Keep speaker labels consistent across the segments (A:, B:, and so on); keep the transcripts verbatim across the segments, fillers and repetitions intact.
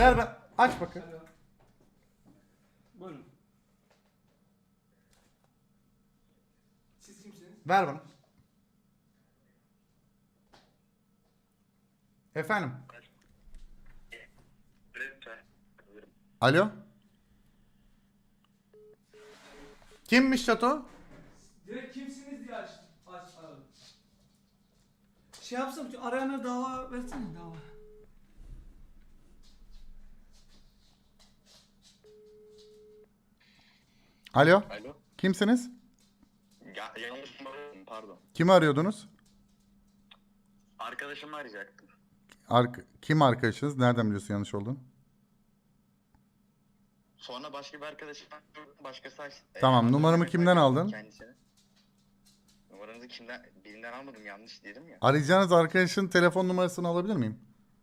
A: Ver ben. Aç bakayım.
B: Buyurun. Siz kimsiniz?
A: Ver bana. Efendim. Alo. Kimmiş Çato?
B: Direkt kimsiniz diye aç, aç aradım. Şey yapsam, arayana dava versene dava.
A: Alo.
C: Alo.
A: Kimsiniz?
C: Ya, yanlış numara aradım, pardon.
A: Kimi arıyordunuz?
C: Arkadaşımı arayacaktım.
A: Ark Kim arkadaşınız? Nereden biliyorsun yanlış olduğunu?
C: Sonra başka bir arkadaşım başkası açtı.
A: Tamam,
C: Ee,
A: numaramı
C: adresimi
A: kimden
C: kaydettim
A: aldın?
C: kendisine. Numaranızı kimden, birinden almadım, yanlış dedim ya.
A: Arayacağınız arkadaşın telefon numarasını alabilir miyim?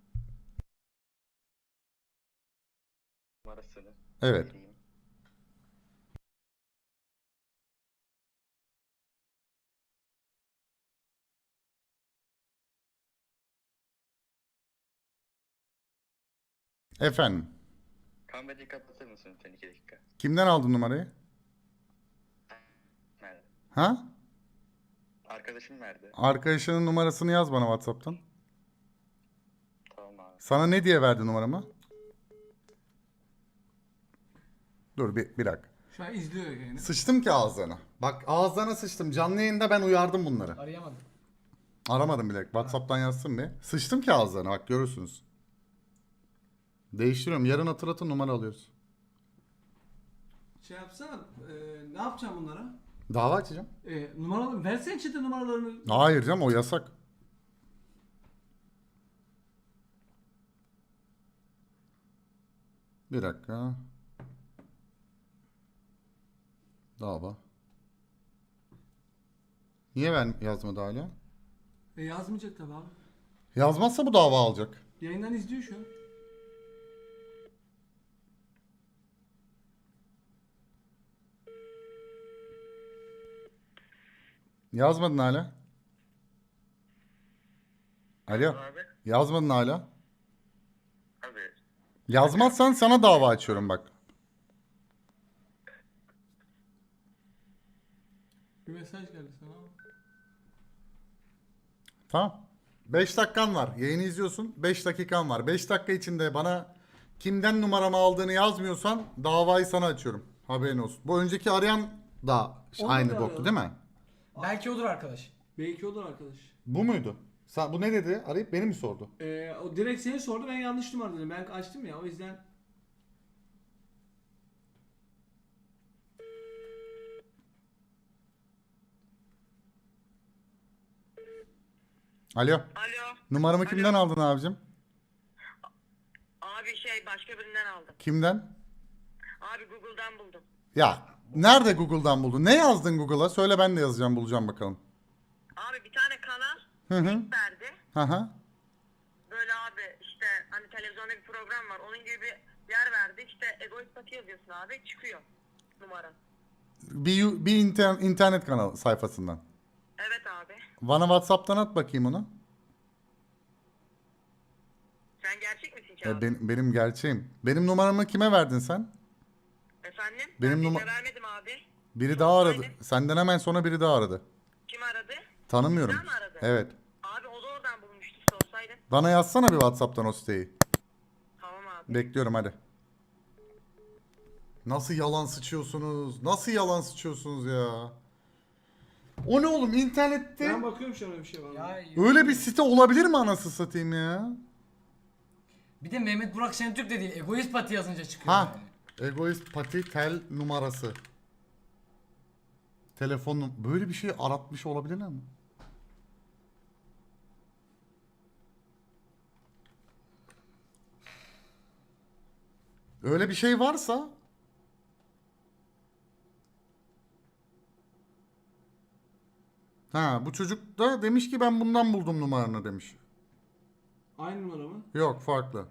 C: Numarasını
A: Evet.
C: vereyim.
A: Efendim.
C: Kamerayı kapatır mısın lütfen iki dakika?
A: Kimden aldın numarayı?
C: Nerede?
A: Ha?
C: Arkadaşım nerede?
A: Arkadaşının numarasını yaz bana WhatsApp'tan.
C: Tamam abi.
A: Sana ne diye verdi numaramı? Dur bir, bir dakika.
B: Şu an izliyor yani.
A: Sıçtım ki ağızlarına. Bak ağızlarına sıçtım. Canlı yayında ben uyardım bunları.
B: Arayamadım.
A: Aramadım bile. WhatsApp'tan yazsın bir. Sıçtım ki ağızlarına, bak görürsünüz. Değiştiriyorum. Yarın hatırlatın, numara alıyoruz.
B: Şey yapsana, e, ne yapacağım bunlara?
A: Dava açacağım.
B: E, numaraları, versene çete numaralarını.
A: Hayır canım, o yasak. Bir dakika. Dava. Niye ben yazmadı hala?
B: E, yazmayacak tabi abi.
A: Yazmazsa bu dava alacak.
B: Yayından izliyor şu an.
A: Yazmadın hala. Alo.
C: Abi.
A: Yazmadın hala.
C: Abi.
A: Yazmazsan sana dava açıyorum bak.
B: Bir mesaj geldi sana.
A: Tamam. beş dakikan var. Yayını izliyorsun. beş dakikan var. beş dakika içinde bana kimden numaramı aldığını yazmıyorsan davayı sana açıyorum. Haberin olsun. Bu önceki arayan da
B: Onu
A: aynı
B: da
A: boktu
B: arayalım.
A: değil mi?
D: Belki odur arkadaş.
B: Belki olur arkadaş.
A: Bu muydu? Sen, bu ne dedi? Arayıp beni mi sordu?
B: E, o direkt seni sordu, ben yanlış numara dedim. Ben açtım ya, o yüzden.
A: Alo.
E: Alo.
A: Numaramı
E: Alo.
A: kimden aldın abicim?
E: Abi şey başka birinden aldım.
A: Kimden?
E: Abi Google'dan buldum.
A: Ya nerede Google'dan buldun? Ne yazdın Google'a? Söyle, ben de yazacağım, bulacağım bakalım.
E: Abi bir tane kanal
A: Hı hı.
E: verdi.
A: Hı hı.
E: Böyle abi işte hani televizyonda bir program var. Onun gibi bir yer verdi. İşte egoist pati yazıyorsun abi. Çıkıyor numara.
A: Bir, yu- bir inter- internet kanalı sayfasından.
E: Evet abi.
A: Bana WhatsApp'tan at bakayım onu.
E: Sen gerçek misin ki
A: E,
E: abi?
A: ben- benim gerçeğim. Benim numaramı kime verdin sen?
E: Efendim?
A: benim
E: ben
A: numa-
E: birine vermedim abi.
A: Biri daha aradı.
E: Aynen.
A: Senden hemen sonra biri daha aradı.
E: Kim aradı?
A: Tanımıyorum.
E: Sen mi aradın?
A: Evet.
E: Abi o da oradan bulmuştu sorsaydın.
A: Bana yazsana bir WhatsApp'tan o siteyi.
E: Tamam abi.
A: Bekliyorum hadi. Nasıl yalan sıçıyorsunuz? Nasıl yalan sıçıyorsunuz ya? O ne oğlum, internette
B: Ben bakıyorum şu an öyle bir şey var mı?
D: Ya
A: öyle bir site olabilir mi anasını satayım ya?
D: bir de Mehmet Burak Şentürk de değil. Egoist Pati yazınca çıkıyor
A: Ha.
D: yani.
A: Egoist pati tel numarası. Telefon num- böyle bir şey aratmış olabilirler mi? Öyle bir şey varsa ha, bu çocuk da demiş ki ben bundan buldum numaranı demiş.
B: Aynı numara mı?
A: Yok, farklı.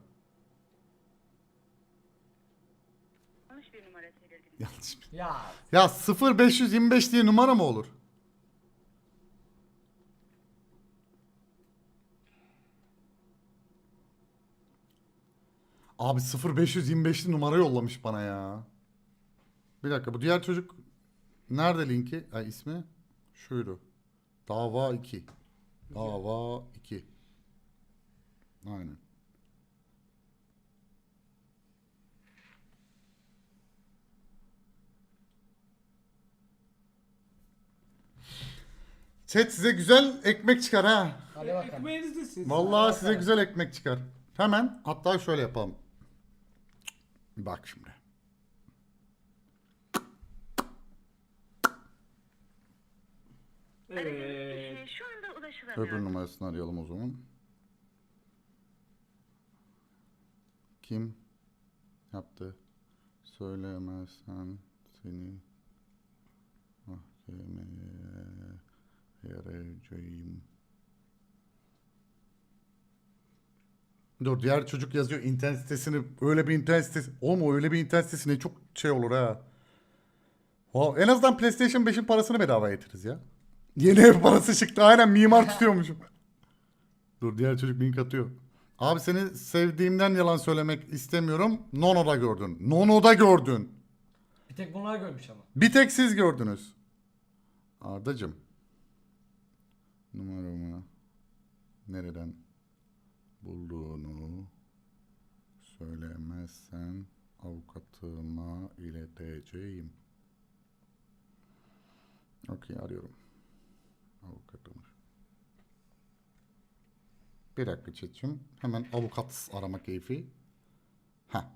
E: Yanlış bir numara söyledim.
A: Yanlış.
D: Ya
A: Ya sıfır beş yüz yirmi beş diye numara mı olur? Abi sıfır beş yirmi beşli numara yollamış bana ya. Bir dakika, bu diğer çocuk nerede linki? Ay, ismi şuydu. Dava iki. Dava iki. Aynen. Chat size güzel ekmek çıkar ha.
D: Hadi bakalım.
B: Ekmeğiniz de siz.
A: Vallahi size güzel ekmek çıkar. Hemen hatta şöyle yapalım. Bak şimdi.
B: Evet.
E: Kişi şu anda ulaşılamıyor.
A: Öbür numarasını arayalım o zaman. Kim yaptı? Söylemezsen seni mahkemeye vereceğim. Dur, diğer çocuk yazıyor internet sitesini, öyle bir internet sitesi. Oğlum öyle bir internet sitesi ne çok şey olur ha. Wow, en azından PlayStation beşin parasını bedava getiririz ya. Yeni ev parası çıktı, aynen mimar tutuyormuşum. Dur, diğer çocuk link atıyor. Abi seni sevdiğimden yalan söylemek istemiyorum. Nono'da gördün. Nono'da gördün.
D: Bir tek bunlar görmüş ama.
A: Bir tek siz gördünüz. Ardacığım. Numaramı nereden bulduğunu söylemezsen avukatıma ileteceğim. Okey, arıyorum. Avukatımı. Bir dakika chat'cim. Hemen avukat arama keyfi. Ha.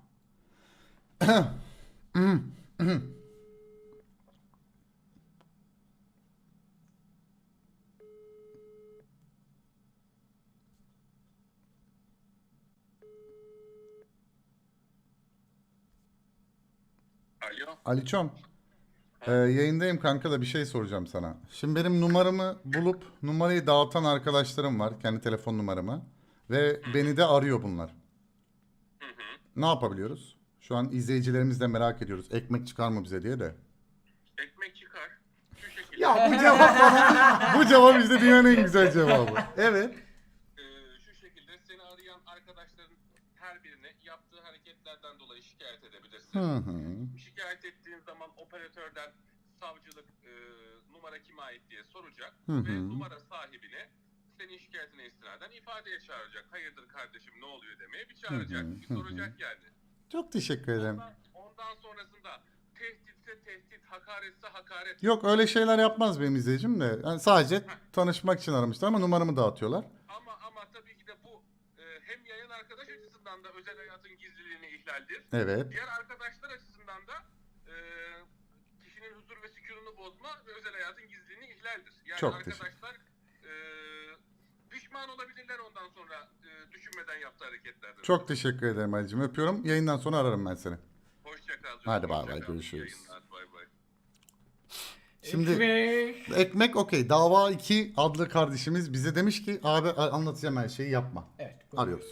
C: Alo.
A: Aliçom. Ee, yayındayım kanka da bir şey soracağım sana. Şimdi benim numaramı bulup numarayı dağıtan arkadaşlarım var. Kendi telefon numaramı. Ve beni de arıyor bunlar. Ne yapabiliyoruz? Şu an izleyicilerimiz de merak ediyoruz. Ekmek çıkar mı bize diye de.
C: Ekmek çıkar. Şu şekilde.
A: Ya bu cevap bana, bu cevap işte dünyanın en güzel cevabı. Evet.
F: Ee, şu şekilde seni arayan arkadaşların her birine yaptığı hareketlerden dolayı şikayet edebilirsin.
A: Hı hı.
F: Şikayet ettiğin zaman operatörden savcılık e, numara kime ait diye soracak
A: Hı hı.
F: ve numara sahibine senin şikayetine istinaden ifadeye çağıracak. Hayırdır kardeşim ne oluyor demeye bir çağıracak,
A: Hı hı,
F: bir
A: hı hı.
F: soracak yani.
A: Çok teşekkür ederim.
F: Ondan, ondan sonrasında tehditse tehdit, hakaretse hakaret.
A: Yok, öyle şeyler yapmaz benim izleyicim de. Yani sadece tanışmak için aramışlar ama numaramı dağıtıyorlar.
F: Ama ama tabii ki de bu e, hem yayın arkadaş açısından da özel hayatın gizliliğini ihlaldir.
A: Evet.
F: Diğer arkadaşlar açısından da e, kişinin huzur ve sükununu bozma ve özel hayatın gizliliğini ihlaldir. Yani
A: Çok teşekkür.
F: arkadaşlar e, pişman olabilirler ondan sonra e, düşünmeden yaptığı hareketlerden.
A: Çok teşekkür ederim Ali'cim. Öpüyorum. Yayından sonra ararım ben seni.
F: Hoşça kal.
A: Hadi bay
F: Hoşça
A: bay,
F: kal.
A: görüşürüz.
F: İyi yayınlar, bay bay.
A: Şimdi
D: Ekmek.
A: ekmek okey. Dava iki adlı kardeşimiz bize demiş ki abi anlatacağım her şeyi yapma.
D: Evet. buyurun.
A: Arıyoruz.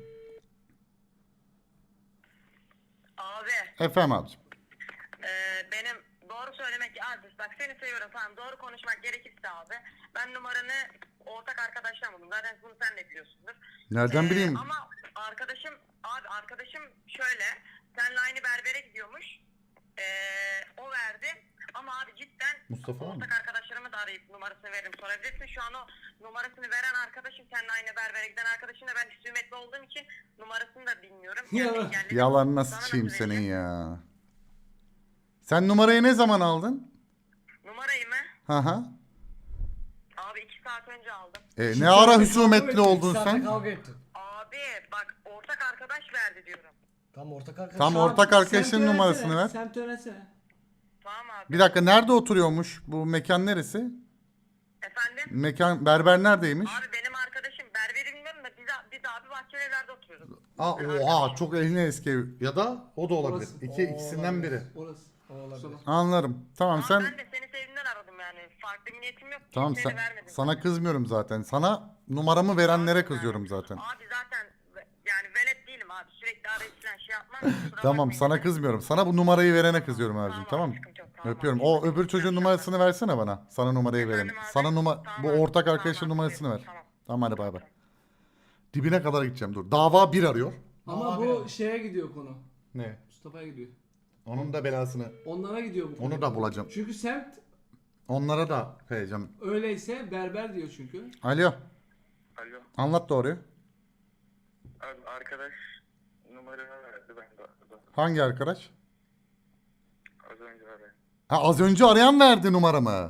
E: Abi
A: Efendim abicim.
E: e, benim doğru söylemek abi bak seni seviyorum tamam doğru konuşmak gerekirse abi ben numaranı ortak arkadaştan buldum zaten bunu sen de biliyorsundur.
A: Nereden
E: Ee,
A: bileyim?
E: Ama arkadaşım abi arkadaşım şöyle seninle aynı berbere gidiyormuş. Ee, o verdi ama abi cidden
A: Mustafa mı?
E: ortak arkadaşlarımı da arayıp numarasını veririm sorabilirsin. Şu an o numarasını veren arkadaşım seninle aynı berbere giden arkadaşım da ben hüsmetli olduğum için numarasını da bilmiyorum.
B: Ya.
E: engelledim.
A: Yalanına
E: Sana
A: sıçayım
E: nasıl
A: senin
E: vereceğim?
A: ya. Sen numarayı ne zaman aldın?
E: Numarayı mı?
A: Hı hı.
E: Abi iki saat önce aldım.
A: E,
D: İki
A: ne ara
D: saatte
A: husumetli
D: kavga ettin,
A: oldun
D: iki saatte
A: sen?
D: Kavga ettin.
E: Abi bak ortak arkadaş verdi diyorum.
D: Tam ortak arkadaş.
A: Tam
B: Şu
A: ortak
B: an
A: arkadaşın
B: semt
A: numarasını
B: öğrensene,
A: ver.
B: Semt öğrensene.
E: Tamam abi.
A: Bir dakika, nerede oturuyormuş? Bu mekan neresi?
E: Efendim?
A: Mekan, berber neredeymiş?
E: Abi benim arkadaşım berberi bilmiyorum da biz, biz abi bahçeli evlerde oturuyoruz.
A: Aa, oha çok eline eski ev. Ya da o da olabilir.
B: Orası.
A: İki,
D: O
A: ikisinden
D: olabilir.
A: biri.
B: Orası.
D: O olabilir.
A: Anlarım. Tamam
E: Ama
A: sen
E: ben de seni sevdiğinden aradım yani. Farklı bir niyetim yok.
A: tamam
E: Kimseye
A: sen
E: de vermedim
A: sana
E: zaten.
A: kızmıyorum zaten. Sana numaramı verenlere kızıyorum zaten.
E: Abi zaten ve- yani velet değilim abi. Sürekli arayıp falan şey yapmam. Kusura
A: Tamam
E: bakmayın.
A: sana kızmıyorum. Sana bu numarayı verene kızıyorum abicim,
E: Tamam,
A: tamam mı?
E: sıkıntı yok, tamam
A: Öpüyorum.
E: abi.
A: O öbür çocuğun numarasını versene bana. Sana numarayı
E: Efendim
A: verelim.
E: abi?
A: Sana numara
E: Tamam
A: bu
E: abi,
A: ortak
E: tamam
A: arkadaşın
E: abi,
A: numarasını ver.
E: tamam.
A: Tamam hadi bay bay. Dibine kadar gideceğim dur. Dava bir arıyor.
B: Ama
D: Abi
B: bu
D: abi.
B: şeye gidiyor konu.
A: Ne?
B: Mustafa'ya gidiyor.
A: Onun da belasını.
B: Onlara gidiyor bu konu.
A: Onu da bulacağım.
B: Çünkü semt
A: Onlara da kayacağım.
B: öyleyse berber diyor çünkü.
A: Alo.
C: Alo.
A: Anlat doğruyu.
C: Abi arkadaş numaranı verdi ben de aradım.
A: Hangi arkadaş?
C: Az önce aradım.
A: Ha, az önce arayan verdi numaramı.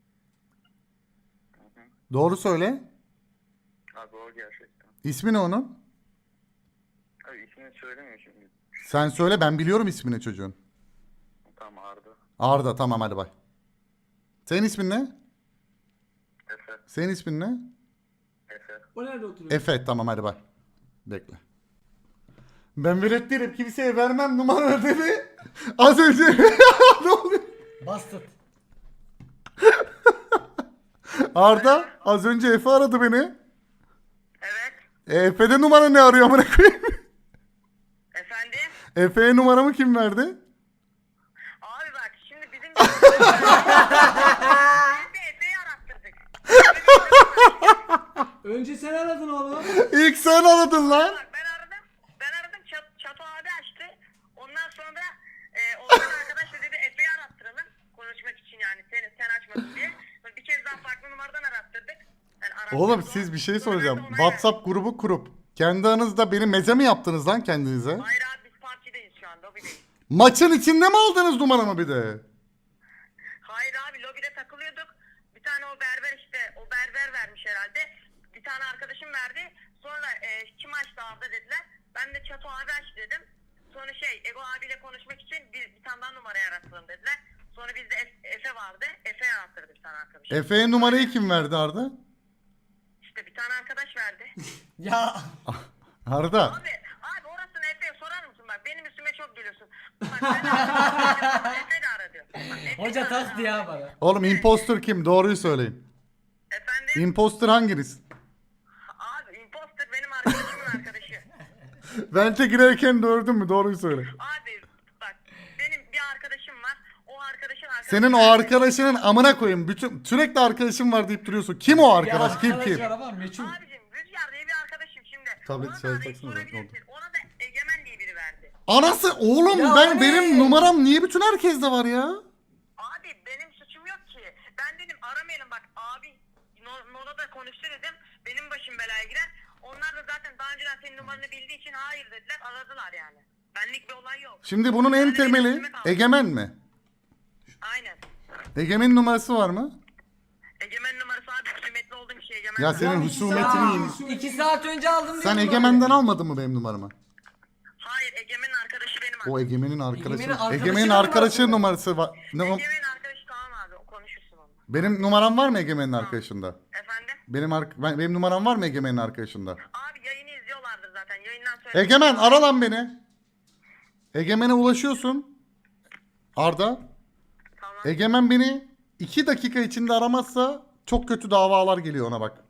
A: Doğru söyle.
C: Abi o gerçekten.
A: İsmi ne onun?
C: Abi ismini söylemiyor şimdi.
A: Sen söyle, ben biliyorum ismini çocuğun.
C: Tamam Arda.
A: Arda, tamam hadi bay. Senin ismin ne?
C: Efe.
A: Senin ismin ne?
C: Efe.
B: O nerede oturuyor?
A: Efe, tamam hadi bay. Bekle. Ben velet değilim, kimseye vermem numara dedi. Az önce ne oluyor?
D: Bastard.
A: Arda az önce Efe aradı beni.
E: Evet.
A: E, Efe'de numara ne arıyor amına koyayım?
E: Efendim?
A: Efe'ye numaramı kim verdi?
E: Abi bak şimdi bizim biz de Efe'yi arattırdık.
B: Önce sen aradın oğlum.
A: İlk sen aradın lan.
E: Bak ben aradım. Ben aradım. Çat, Çato abi açtı. Ondan sonra e, Orhan arkadaş da dedi Efe'yi arattıralım. Konuşmak için yani. Sen, sen açmadın diye. Sonra bir kez daha farklı numaradan arattırdık. Yani arattırdık
A: Oğlum
E: o.
A: siz bir şey
E: Sonra ben de
A: soracağım.
E: ona
A: WhatsApp grubu kurup kendi aranızda beni meze mi yaptınız lan kendinize?
E: verdim. Hayır abi biz partideyiz şu an. Lobideyiz.
A: Maçın içinde mi aldınız numaramı bir de?
E: Hayır abi lobide takılıyorduk. Bir tane o berber işte. O berber vermiş herhalde. Bir tane arkadaşım verdi. Sonra e, kim açtı abi dediler. Ben de Çato abi aç dedim. Sonra şey Ego abiyle konuşmak için bir, bir tane daha numara yaratalım dediler. Sonra bizde Efe, Efe vardı. Efe yarattırdı bir tane arkadaş.
A: Efe'ye numarayı kim verdi Arda?
E: İşte bir tane arkadaş verdi.
D: Ya
A: Arda.
E: Abi, abi orasını Efe'ye sorar mısın bak benim üstüme çok gülüyorsun. Bak ben de aradım, Efe de aradı. Bak, Efe de
D: hoca
E: aradı.
D: taktı ya bana.
A: Oğlum impostor kim? Doğruyu söyleyin.
E: Efendim?
A: Impostor hanginiz?
E: Abi imposter benim arkadaşımın arkadaşı.
A: Vente girerken gördün mü? Doğruyu söyle.
E: Abi bak benim bir arkadaşım var. O arkadaşın arkadaşı.
A: Senin o arkadaşının amına koyayım. Bütün sürekli arkadaşım var deyip duruyorsun. Kim o arkadaş?
D: Ya
A: Kim
D: arkadaş
A: kim?
D: var ama meçhul.
E: Abicim Rüzgar diye bir arkadaşım şimdi.
A: Tablet
E: Ona da
A: şöyle
E: arayıp
A: taksana,
E: sorabilirsin. Ona da Egemen diye biri verdi.
A: Anası oğlum
D: Ya
A: ben
D: o ne?
A: benim numaram niye bütün herkeste var ya?
E: Abi benim suçum yok ki. Ben dedim aramayalım bak abi no, Nola da konuştu dedim. Benim başım belaya girer. Onlar da zaten daha önceden senin numaranı bildiği için hayır dediler aradılar yani. Benlik bir olay yok.
A: Şimdi bunun en
E: Yani benim
A: temeli
E: üstüme kaldı.
A: Egemen mi?
E: Aynen.
A: Egemen'in numarası var mı?
E: Egemen numarası abi husumetli olduğum şey Egemen.
A: Ya
E: numarası.
A: senin
D: iki
A: husumetini
D: saat-
A: yiyeyim.
D: İki saat önce aldım
A: Sen
D: diyorum
A: Egemen'den
D: abi.
A: almadın mı benim numaramı?
E: Hayır Egemen'in arkadaşı benim
A: O
E: arkadaşım.
A: Egemen'in arkadaşı.
D: Egemen'in arkadaşının
A: Egemen'in
D: numarası
A: arkadaşı
D: mı?
A: numarası var. Ne o?
E: Egemen'in arkadaşı tamam abi o konuşursun onunla.
A: Benim numaram var mı Egemen'in arkadaşında?
E: Efendim?
A: Benim ar- ben, benim numaram var mı Egemen'in arkadaşında?
E: Abi yayını izliyorlardır zaten yayından sonra.
A: Egemen ara lan beni. Egemen'e ulaşıyorsun. Arda.
E: Tamam.
A: Egemen beni iki dakika içinde aramazsa çok kötü davalar geliyor ona bak.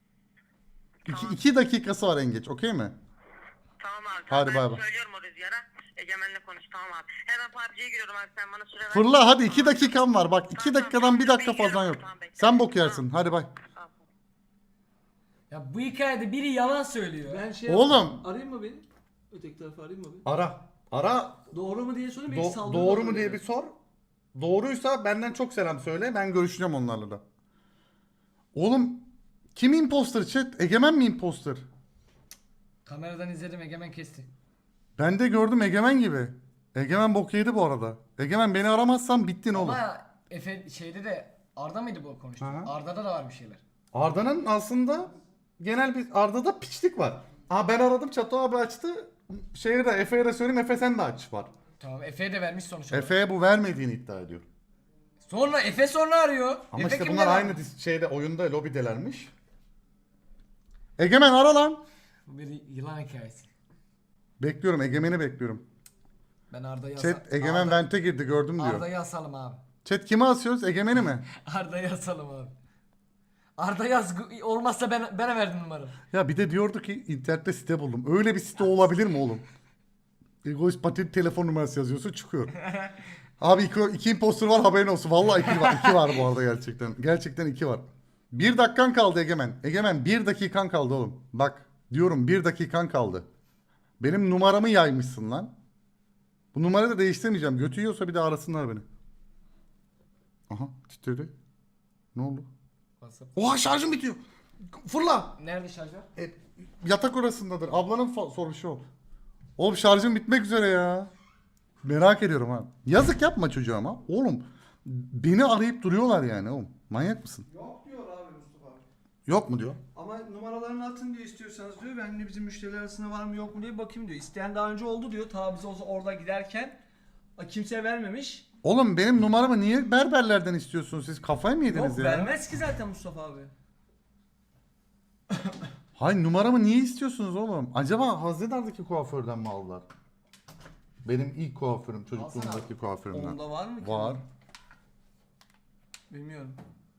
A: İki, iki dakikası var en geç, okey mi?
E: Tamam abi.
A: Hadi
E: ben
A: bay bay.
E: söylüyorum o Rüzgar'a. Egemen'le konuş tamam abi. Hemen P U B G'ye giriyorum abi sen bana süre ver.
A: Fırla hadi iki dakikan var bak. iki
E: Tamam,
A: dakikadan
E: tamam,
A: bir dakika
E: bekliyorum.
A: fazla yok.
E: Tamam, bekliyorum.
A: Sen bok yersin. Hadi bay.
E: Tamam.
D: Ya bu hikayede biri yalan söylüyor.
B: Ben şey
A: Oğlum.
B: arayayım mı beni? Öteki tarafa arayayım mı beni?
A: Ara. Ara.
B: Doğru mu diye sorayım. belki
A: Do-
B: saldırı
A: doğru
B: olur
A: mu diye
B: yani.
A: bir sor. Doğruysa benden çok selam söyle. Ben görüşeceğim onlarla da. Oğlum kim imposter chat? Egemen mi imposter?
D: Kameradan izledim Egemen kesti.
A: Ben de gördüm Egemen gibi. Egemen bok yedi bu arada. Egemen beni aramazsan bittin oğlum.
D: Ama Efe şeyde de Arda mıydı bu konuştu?
A: Hı hı.
D: Arda'da da var bir şeyler.
A: Arda'nın aslında genel bir Arda'da piçlik var. Aa ben aradım Çato abi açtı. Şeye de Efe'ye de söyleyeyim Efe sen de aç var.
D: Tamam Efe'ye de vermiş sonuç olarak.
A: Efe'ye bu vermediğini iddia ediyor.
D: Sonra Efe sonra arıyor.
A: Ama
D: Efe
A: işte
D: kimden
A: bunlar
D: aldı?
A: aynı dis- şeyde oyunda lobidelermiş. Egemen ara lan.
D: Bu bir yılan hikayesi.
A: Bekliyorum Egemen'i bekliyorum.
D: Ben Arda'yı
A: Chat
D: asal-
A: Egemen
D: Arda-
A: vente girdi gördüm diyor.
D: Arda'yı asalım abi.
A: Chat kimi asıyoruz Egemen'i mi?
D: Arda'yı asalım abi. Arda yaz olmazsa ben bana verdin numaranı.
A: Ya bir de diyordu ki internette site buldum. Öyle bir site olabilir mi oğlum? Egoist patent telefon numarası yazıyorsun çıkıyor. Abi iki, iki imposter var haberin olsun. Vallahi iki var. iki var bu arada gerçekten. Gerçekten iki var. Bir dakikan kaldı Egemen. Egemen bir dakikan kaldı oğlum. Bak diyorum bir dakikan kaldı. Benim numaramı yaymışsın lan. Bu numarayı da değiştirmeyeceğim. Götü yiyorsa bir de arasınlar beni. Aha titredi. Ne oldu?
D: WhatsApp.
A: Oha şarjım bitiyor. Fırla.
D: Nerede şarjör?
A: E, yatak orasındadır. Ablanın fa- soruşu o. Oğlum şarjım bitmek üzere ya. Merak ediyorum ha. Yazık yapma çocuğa ama. Oğlum beni arayıp duruyorlar yani oğlum. Manyak mısın?
B: Yok diyor abi Mustafa abi.
A: Yok mu diyor.
B: Ama numaralarını atın diyor istiyorsanız diyor. Ben de bizim müşteriler arasında var mı yok mu diye bakayım diyor. İsteyen daha önce oldu diyor. Ta biz o- orada giderken kimseye vermemiş.
A: Oğlum benim numaramı niye berberlerden istiyorsunuz siz? Kafayı mı yediniz
B: Yok
A: ya?
B: vermez ki zaten Mustafa abi.
A: Hayır numaramı niye istiyorsunuz oğlum? Acaba Hazinedar'daki kuaförden mi aldılar? Benim ilk kuaförüm, çocukluğumdaki kuaförümden.
B: Onda var mı ki?
A: Var.
B: Bilmiyorum.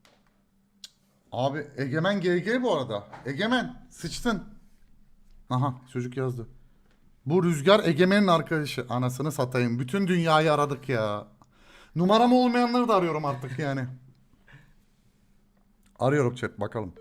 A: Abi Egemen G G bu arada. Egemen sıçtın. Aha çocuk yazdı. Bu Rüzgar Egemen'in arkadaşı. Anasını satayım. Bütün dünyayı aradık ya. Numaram olmayanları da arıyorum artık yani. Arıyorum chat bakalım.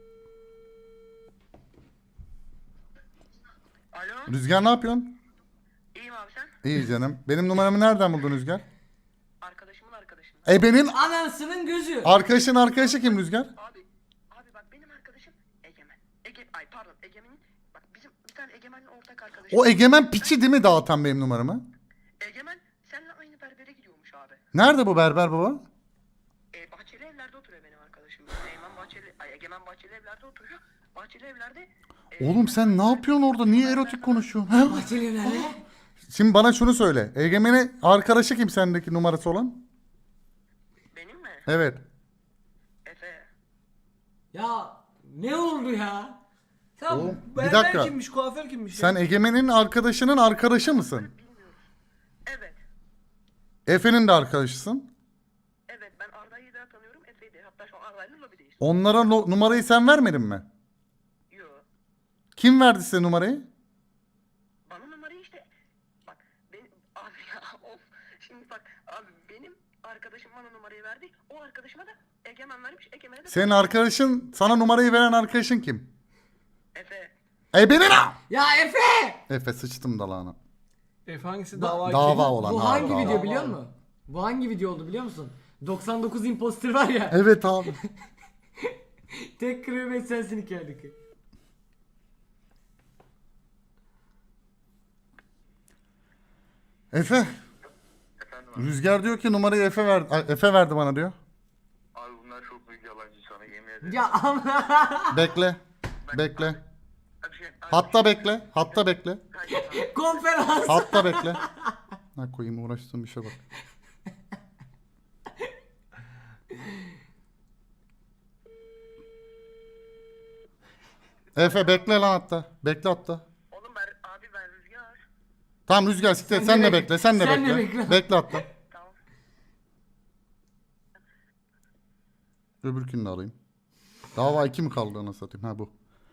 E: Alo.
A: Rüzgar ne yapıyorsun?
E: İyiyim abi sen?
A: İyi canım. Benim numaramı nereden buldun Rüzgar?
E: Arkadaşımın arkadaşı.
A: Ebenin
D: Anasının gözü.
A: arkadaşın arkadaşı kim Rüzgar?
E: Abi, abi bak benim arkadaşım Egemen. Ege, ay pardon Egemen'in, bak bizim bir tane Egemen'in ortak arkadaşı.
A: O Egemen piçi değil mi dağıtan benim numaramı?
E: Egemen seninle aynı berbere gidiyormuş abi.
A: Nerede bu berber baba?
E: E, Bahçeli Evler'de oturuyor benim arkadaşım. Egemen Bahçeli, ay Egemen Bahçeli Evler'de oturuyor. Bahçeli Evler'de... e,
A: Oğlum sen ne yapıyorsun orada? Niye erotik konuşuyorsun? Ha?
D: Bahçeli nerede?
A: Şimdi bana şunu söyle. Egemen'in arkadaşı kim sendeki numarası olan?
E: Benim mi?
A: Evet.
E: Efe.
D: Ya ne oldu ya?
B: Tamam.
A: Oğlum, bir
B: berber
A: dakika.
B: kimmiş, kuaför kimmiş?
A: Sen
B: ya?
A: Egemen'in arkadaşının arkadaşı mısın?
E: Bilmiyoruz. Evet.
A: Efe'nin de arkadaşısın.
E: Evet ben Arda'yı da tanıyorum. Efe'yi de. Hatta şu an Arda'yla lobideyiz.
A: Onlara no- numarayı sen vermedin mi?
E: Yo.
A: Kim verdi size numarayı?
E: Bana numarayı işte. Bak benim abi ya of. Şimdi bak abi benim arkadaşım bana numarayı verdi. O arkadaşıma da Egemen vermiş. Egemen'e de
A: Senin arkadaşın, sana numarayı veren arkadaşın kim?
E: Efe.
A: Ebenin ha!
D: Ya Efe!
A: Efe sıçtım dalağına.
B: Efe hangisi dava
A: Dava
B: kim?
A: olan.
D: Bu
A: ha,
D: hangi
A: dava.
D: video biliyor musun? Bu hangi video oldu biliyor musun? doksan dokuz imposter var ya.
A: Evet abi.
D: Tek kıymet sensin hikayedeki.
A: Efe.
C: Efendim abi.
A: Rüzgar diyor ki numarayı Efe verdi. Ay, Efe verdi bana diyor.
C: Abi bunlar çok büyük yalancı sana yemin ederim.
D: Ya ama
A: Bekle. Bekle.
C: Abi şey, abi,
A: Hatta bekle. Hatta bekle.
C: Hayır,
D: konferans.
A: Hatta bekle. Ha koyayım uğraştığım işe bak. Efe bekle lan hatta. Bekle hatta.
E: Oğlum ben abi ben Rüzgar.
A: Tamam Rüzgar siktir.
D: Sen
A: Sen,
D: de
A: de
D: bek-
A: bekle. Sen de
D: sen de
A: bekle.
D: bekle.
A: Bekle hatta.
E: Tamam.
A: Öbürkünü de alayım. Dava iki mi kaldı ana satayım? Ha bu.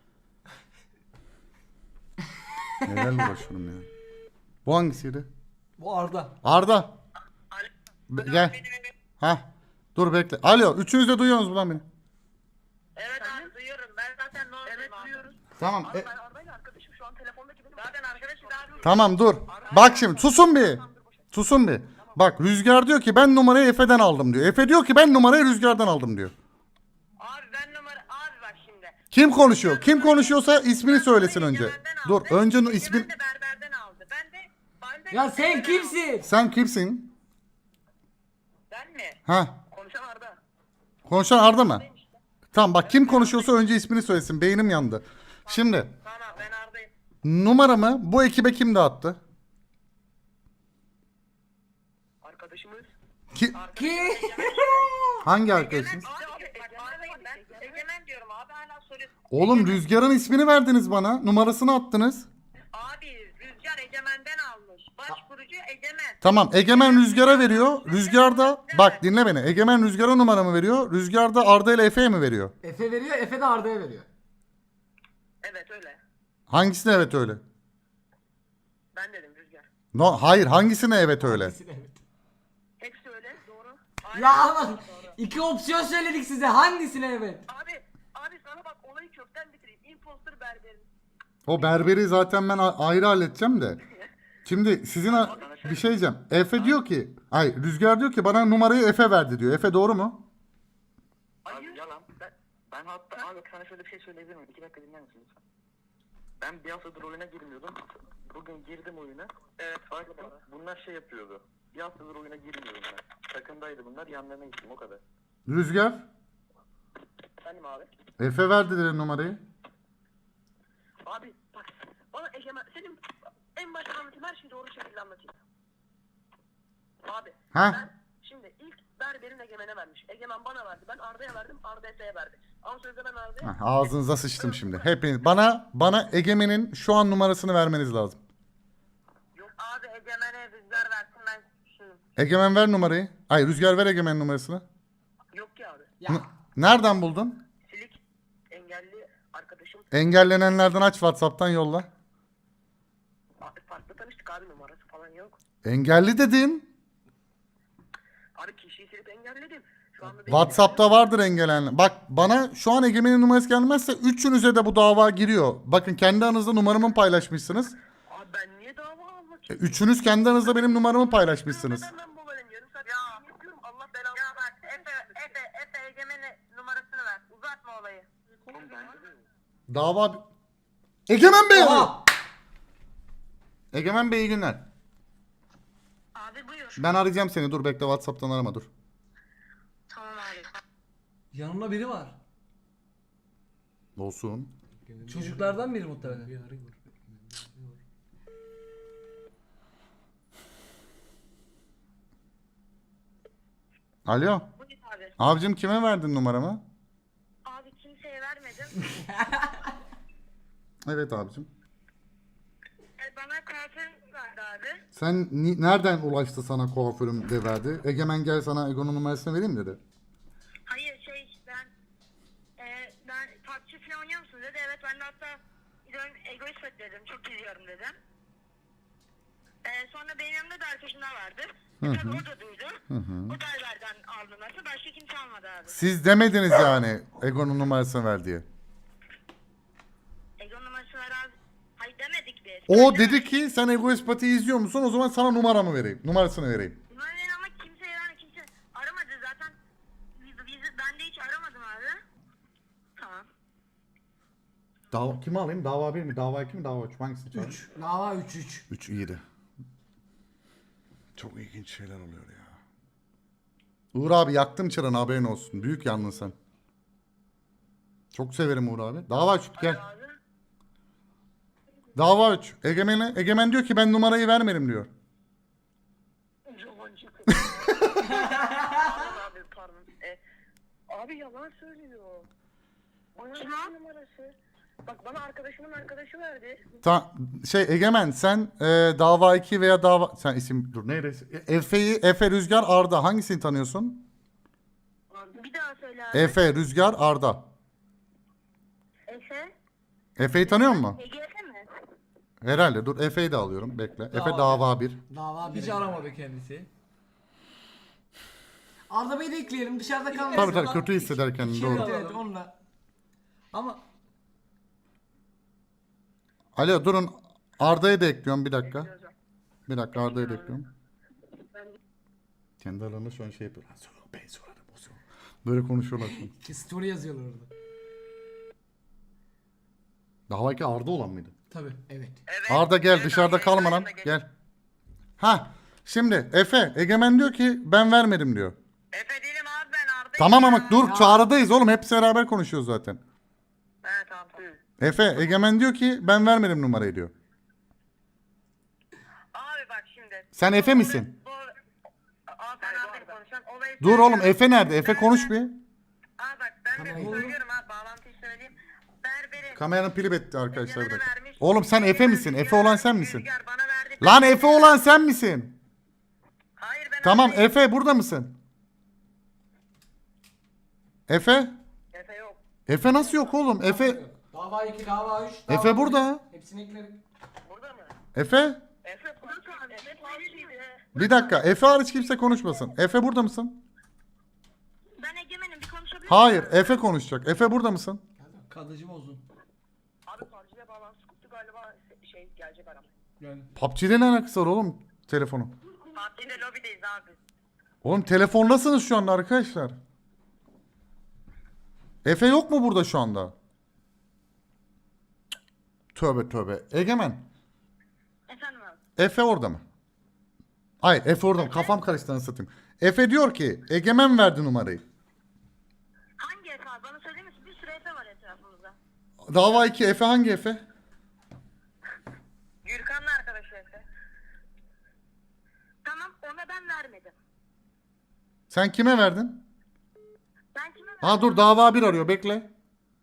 A: Nelerle uğraşıyorum ya. Bu hangisiydi?
B: Bu Arda.
A: Arda.
E: Alo.
A: Be- gel. Ha. Dur bekle. Alo. Üçünüz de duyuyorsunuz mu lan beni?
E: Evet abi duyuyorum. Ben zaten ne Evet duyuyoruz.
A: Tamam.
E: Abi
A: e-
E: ben Arda'yla arkadaşım şu an telefondaki benim. Zaten arkadaşız abi.
A: tamam dur. Bak şimdi susun bir. Susun bir. Bak Rüzgar diyor ki ben numarayı Efe'den aldım diyor. Efe diyor ki ben numarayı Rüzgar'dan aldım diyor.
E: Abi ben numara abi bak şimdi.
A: Kim konuşuyor? Kim konuşuyorsa ismini söylesin önce.
E: Egemen'den
A: Dur
E: aldı.
A: önce nu-
E: Egemen
A: ismin.
E: de berberden aldı. Ben de ben de
D: Ya sen
E: Egemen'den aldım.
D: kimsin?
A: Sen kimsin?
E: Ben mi?
A: Ha.
E: Konuşan Arda.
A: Konuşan Arda mı? Tamam bak kim konuşuyorsa önce ismini söylesin. Beynim yandı. Şimdi
E: Tamam ben Arda'yım.
A: numaramı bu ekibe kim dağıttı?
E: Arkadaşımız.
A: Ki,
D: Ki?
A: hangi arkadaşınız?
E: Abi bak Arda'yım ben. Egemen diyorum abi hala soruyorsun.
A: Oğlum Rüzgar'ın ismini verdiniz bana. Numarasını attınız.
E: Abi Rüzgar Egemen'den almış. Başvurucu Egemen.
A: Tamam Egemen Rüzgar'a veriyor. Rüzgar da bak dinle beni. Egemen Rüzgar'a numaramı veriyor. Rüzgar da Arda ile Efe'ye mi veriyor?
D: Efe veriyor, Efe de Arda'ya veriyor.
E: Evet öyle.
A: Hangisine evet öyle?
E: Ben dedim Rüzgar.
A: No, hayır hangisine evet öyle?
D: Evet.
E: Hepsi öyle doğru.
D: Ya ama iki opsiyon söyledik size. Hangisine evet?
E: Abi abi sana bak olayı kökten bitireyim. Imposter berberin.
A: O berberi zaten ben a- ayrı halledeceğim de. Şimdi sizin a- bir şey diyeceğim. Efe diyor ki, ay Rüzgar diyor ki bana numarayı Efe verdi diyor. Efe doğru mu?
C: Abi yalan. Ben, ben hatta abi sana şöyle bir şey söyleyebilir miyim? İki dakika dinler misin lütfen? Ben bir haftadır oyuna girmiyordum. Bugün girdim oyuna. Evet. Baktım bunlar şey yapıyordu. Bir haftadır oyuna girmiyorum ben. Takımdaydı bunlar. Yanlarına gittim o kadar.
A: Rüzgar,
C: Efendim abi?
A: Efe verdi dedi numarayı.
G: Abi bak bana Egemen senin en başta anlatayım her şeyi doğru şekilde anlatayım. Abi
A: Ha?
G: ben şimdi ilk berberin Egemen'e vermiş. Egemen bana verdi. Ben Arda'ya verdim. Arda Efe'ye verdi. Ama sözde ben Arda'ya...
A: Heh, ağzınıza sıçtım şimdi. Hepiniz bana bana Egemen'in şu an numarasını vermeniz lazım.
E: Yok abi Egemen'e rüzgar versin ben şunu.
A: Egemen ver numarayı. Ay Rüzgar ver Egemen numarasını.
G: Yok ki abi.
D: Ya.
A: N- Nereden buldun?
G: Silik engelli arkadaşım.
A: Engellenenlerden aç WhatsApp'tan yolla.
G: Abi farklı tanıştık abi numarası falan yok.
A: Engelli dedin.
G: Abi kişiyi silip engelledim. Şu anda benim-
A: WhatsApp'ta vardır engellenen. Bak bana şu an Egemen'in numarası gelmezse üçünüze de bu dava giriyor. Bakın kendi aranızda numaramı paylaşmışsınız.
G: Abi ben niye dava almak
A: E,
G: istiyorum?
A: Üçünüz kendi aranızda benim numaramı paylaşmışsınız.
G: Neden ben babayım yarım saat ya. yapıyorum Allah belamı.
E: Ya bak Efe, Efe, Efe Egemen'e numarasını ver. Uzatma olayı.
A: Dava... Egemen Bey arıyor.
D: Aha!
A: Egemen Bey iyi günler.
E: Abi buyur.
A: Ben arayacağım seni. Dur bekle WhatsApp'tan arama dur.
E: Tamam abi.
B: Yanımda biri var.
A: Olsun.
B: Çocuklardan biri muhtemelen.
A: Alo.
E: Buyur abi.
A: Abicim kime verdin numaramı?
E: Abi kimseye vermedim.
A: Evet abicim.
E: E, bana kuaför verdi abi.
A: Sen ni- nereden ulaştı sana kuaförüm de verdi? Egemen gel sana Ego'nun numarasını vereyim dedi.
E: Hayır şey ben e, ben P U B G falan oynuyor musun dedi. Evet ben de hatta diyorum egoist dedim. Çok izliyorum dedim. E, sonra benim yanımda da arkadaşım daha vardı. E, tabii o da duydu. O da Alber'den aldı numarası. Başka kimse almadı abi.
A: Siz demediniz yani Ego'nun numarasını ver diye.
E: Ego numarası var abi. Hayır demedik biz.
A: O
E: Ben
A: dedi
E: demedim.
A: ki sen Egoist Pati'yi izliyor musun? O zaman sana numaramı vereyim. Numarasını vereyim.
E: Numarayı ama kimseye yani kimse aramadı zaten. Biz, biz, ben de hiç aramadım abi. Tamam.
A: Dava, kimi alayım? Dava bir mi? Dava iki mi? Dava üç mü? Hangisini çağırayım?
D: üç. Dava üç üç.
A: üç iyiydi. Çok ilginç şeyler oluyor ya. Uğur abi yaktım çırağını haberin olsun. Büyük yandın sen. Çok severim Uğur abi. Dava üç gel.
G: Abi
A: Dava üç. Egemen'e, Egemen diyor ki ben numarayı vermedim diyor.
G: yalancı kız. Pardon abi pardon. E, abi yalan söylüyor. Bana ne numarası? Bak bana arkadaşımın arkadaşı verdi.
A: Ta, şey Egemen sen e, dava iki veya dava... Sen isim dur neydi? Efe'yi, Efe, Rüzgar, Arda. Hangisini tanıyorsun?
E: Bir daha söyle abi.
A: Efe, Rüzgar, Arda.
E: Efe.
A: Efe'yi tanıyor musun?
E: Ege Efe mi?
A: Herhalde. Dur Efe'yi de alıyorum. Bekle. Efe
B: Dava
A: dava bir.
D: Dava bir.
B: Hiç aramadı kendisi.
D: Arda Bey'i de ekleyelim dışarıda kalmasın.
A: Tabii tabii kötü hisseder kendini
B: İki-
A: doğru.
B: iki-
D: Evet onunla.
B: Ama
A: Alo durun. Arda'yı da ekliyorum bir dakika. Bir dakika Arda'yı da ekliyorum. Kendi aralarında şu an şey yapıyorlar. Sonra ben sonra da bozuyor. Böyle konuşuyorlar şimdi.
D: Ki story yazıyorlar orada.
A: Dava iki Arda olan mıydı?
B: tabii.
D: Evet.
G: Evet.
A: Arda gel
G: Evet
A: dışarıda
G: abi,
A: kalma lan.
G: yayında geç-
A: Gel. Ha şimdi Efe Egemen diyor ki ben vermedim diyor.
E: Efe değilim abi ben Arda'yım.
A: Tamam ama
E: ya.
A: dur çağrıdayız oğlum hepsi beraber konuşuyoruz zaten.
G: He tamam tamam.
A: Efe Egemen diyor ki ben vermedim numarayı diyor.
E: Abi bak şimdi.
A: Sen Efe misin?
E: Bu... Abi ben Arda'yım konuşan. Olayı
A: Dur oğlum
E: söylüyorum.
A: Efe nerede? Efe konuş bir.
E: Abi bak ben de
D: Tamam.
E: söylüyorum abi bağlantıyı söyleyeyim. Berberin.
A: Kameranın pili bitti arkadaşlar bir
E: Egemen'e
A: dakika.
E: vermiş.
A: Oğlum sen Efe
E: Egemen
A: misin? Efe
E: Rüzgar-
A: olan sen misin?
E: Rüzgar bana verdi.
A: Lan Efe olan sen misin?
E: Hayır ben
A: Tamam
E: Arda'yım.
A: Efe burada mısın? Efe?
G: Efe yok.
A: Efe nasıl yok oğlum? Efe
D: Dava iki, dava üç.
A: Efe
D: dava
A: burada.
D: bir. Hepsini ekledik.
G: Burada mı?
A: Efe?
G: Efe abi. Efe Falcı'ydı.
A: Bir dakika. Efe hariç kimse konuşmasın. Efe burada mısın?
E: Ben Egemen'im bir konuşabilir miyim?
A: Hayır. Efe konuşacak. Efe burada mısın?
B: Kadıcı bozun.
G: Abi Falcı'ya bağlantısı koptu galiba. Gelecek adam.
B: Yani.
A: P U B G'de ne alakası var oğlum telefonu?
E: Fatih'le lobideyiz abi.
A: Oğlum telefondasınız şu anda arkadaşlar. Efe yok mu burada şu anda? Tövbe tövbe. Egemen.
E: Efendim abi.
A: Efe orada mı? Hayır Efe orada mı? Kafam karıştı anasını satayım. Efe diyor ki Egemen verdi numarayı.
E: Hangi Efe abi? Bana söyler misin? Bir sürü Efe var etrafımızda.
A: Dava iki Efe hangi Efe?
E: Gürkan'la arkadaşı Efe. Tamam ona ben vermedim.
A: Sen kime verdin?
E: Ben kime verdim?
A: Ha dur dava bir arıyor bekle.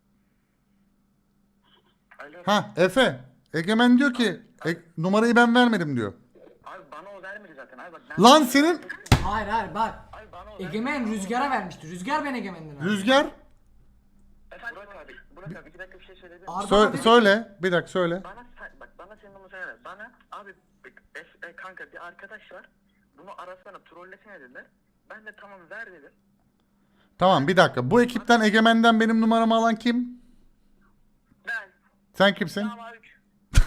C: Alo.
A: Ha Efe. Egemen diyor ki e, numarayı ben vermedim diyor.
C: Abi bana o vermedi zaten. Abi bak ben...
A: Lan senin
D: Hayır hayır bak.
C: Abi bana o
D: Egemen Rüzgar'a vermişti. Rüzgar ben Egemen'den aldım.
A: Rüzgar
C: Efendim Burak abi. Burak abi iki dakika bir şey söyleyebilir miyim?
D: Arda
A: Sö-
D: dedi ki-
A: söyle bir dakika söyle.
C: Bana sen, bak bana senin numaranı ver. Bana abi bak, es- e, kanka bir arkadaş var. Bunu arasana trollesene dediler. Ben de tamam ver dedim.
A: Tamam bir dakika. Bu ekipten Egemen'den benim numaramı alan kim?
E: Ben.
A: Sen kimsin?
E: Dava üç.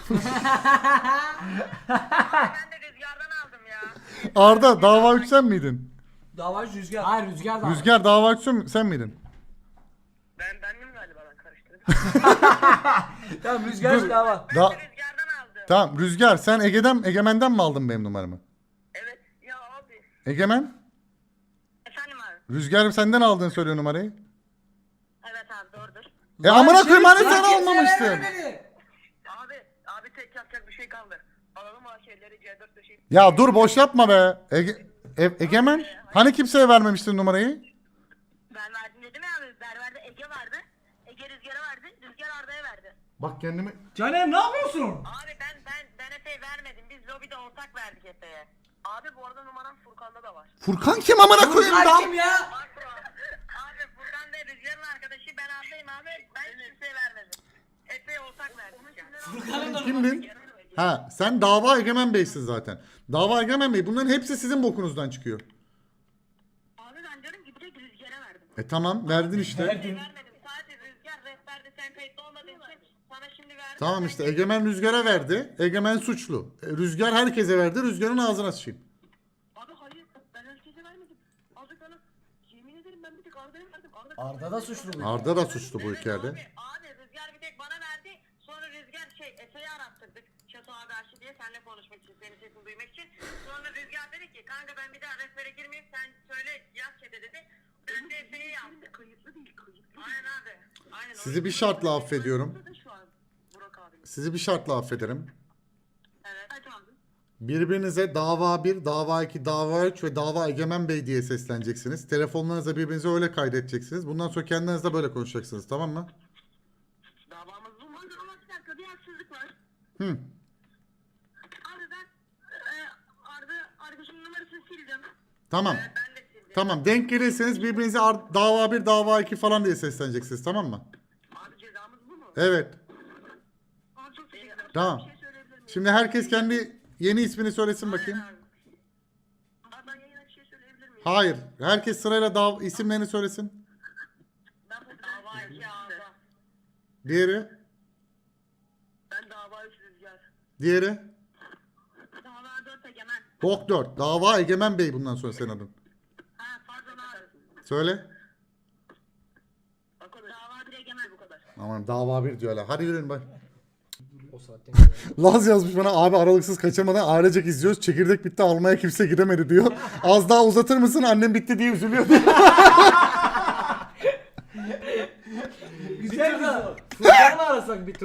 E: Ben de rüzgardan aldım ya.
A: Arda dava üç sen miydin?
B: Davacı Rüzgar.
D: Hayır Rüzgar da aldı.
A: Rüzgar dava üç sen- sen miydin?
C: Ben bendim galiba ben karıştırdım.
B: Tamam Rüzgar dava.
E: Ben
A: Da-
E: de rüzgardan aldım.
A: tamam Rüzgar sen Ege'den Egemen'den mi aldın benim numaramı?
E: Evet. Ya abi.
A: Egemen
E: Efendim abi.
A: Rüzgar senden aldığını söylüyor numarayı.
E: Evet abi doğrudur.
A: E amına koyayım hani
D: Lan
A: sen
D: kimseye
A: almamıştın.
D: vermedi.
C: Abi abi tek yapacak bir şey kaldı. Alalım o şeyleri C dört taşıyıp.
A: Ya dur boş yapma be. Ege- E- Egemen hani kimseye vermemiştin numarayı?
E: Ben verdim dedim ya abi. Berber'de Ege vardı. Ege Rüzgar'a verdi. Rüzgar Arda'ya verdi.
A: Bak kendimi...
B: Caner ne yapıyorsun?
E: Abi ben ben ben Efe'ye vermedim. Biz lobide ortak verdik Efe'ye. Abi bu arada numaram Furkan'da da var.
A: Furkan kim amına koyayım
D: Furkan
A: da?
D: kim ya?
E: Bak bro. Abi Furkan da Rüzgar'ın arkadaşı. Ben Arda'yım abi. Ben kimseye vermedim. Efe'ye ortak verdik.
D: Furkan'ın da
A: Kimdin? Ha sen dava Egemen Bey'sin zaten. Dava Egemen Bey bunların hepsi sizin bokunuzdan çıkıyor.
E: Abi ben diyorum ki direkt Rüzgar'a verdim.
A: E tamam verdin işte.
E: Vermedim. Sadece Rüzgar rehberde sen kayıtlı olmadığın için sana şimdi verdim.
A: Tamam işte Egemen Rüzgar'a verdi. Egemen suçlu. E, Rüzgar herkese verdi. Rüzgar'ın ağzına sıçayım.
G: Abi hayır ben herkese vermedim. Azıcık bana yemin ederim ben bir tek Arda'ya verdim. Arda,
D: Arda da suçlu bu.
A: Arda da suçlu bu
E: Evet
A: hikayede.
E: Abi, abi Rüzgar bir tek bana verdi. Sonra Rüzgar şey Efe'yi arattırdık. Çato abi aşı diye seninle konuşmak için, senin sesini duymak için. Sonra Rüzgar dedi ki kanka ben bir daha rehbere girmeyeyim sen söyle yaz çete dedi. Ben de Efe'yi yaptım.
G: kayıtlı değil kayıtlı.
E: Aynen abi. Aynen.
A: Sizi bir şartla affediyorum.
G: Da şu an Burak abi.
A: Sizi bir şartla affederim.
E: Evet. Ay, tamam.
A: Birbirinize dava bir, dava iki, dava üç ve dava Egemen Bey diye sesleneceksiniz. Telefonlarınıza birbirinize öyle kaydedeceksiniz. Bundan sonra kendinizle böyle konuşacaksınız tamam mı?
G: Davamız bu mu? Ama bir dakika bir haksızlık var.
A: Hı.
G: Abi ben e, Arda arkadaşımın numarasını sildim.
A: Tamam.
E: Ben de sildim.
A: Tamam denk gelirseniz birbirinize ar- dava bir, dava iki falan diye sesleneceksiniz tamam mı?
G: Abi cezamız bu mu?
A: Evet.
G: Abi çok teşekkür ederim.
A: Tamam.
G: Bir şey söyleyebilir miyim?
A: Şimdi herkes kendi yeni ismini söylesin bakayım.
G: Abi ben yayına bir şey söyleyebilir miyim?
A: Hayır. Herkes sırayla dav- isimlerini söylesin.
G: Ben bu
E: Dava iki ağda.
A: Diğeri.
G: Ben dava üç Rüzgar.
A: Diğeri.
G: Dava dört Egemen.
A: Bok dört. Dava Egemen Bey bundan sonra senin adın.
G: Ha pardon abi.
A: Söyle.
G: Bak o dava bir Egemen bu kadar.
A: Aman dava bir diyorlar. Hadi yürüyün bak.
D: O saatten sonra.
A: Laz yazmış bana abi aralıksız kaçamadan ailecek izliyoruz. Çekirdek bitti almaya kimse gidemedi diyor. Az daha uzatır mısın annem bitti diye üzülüyor.
B: Güzel kız. Furkan'ı arasak bir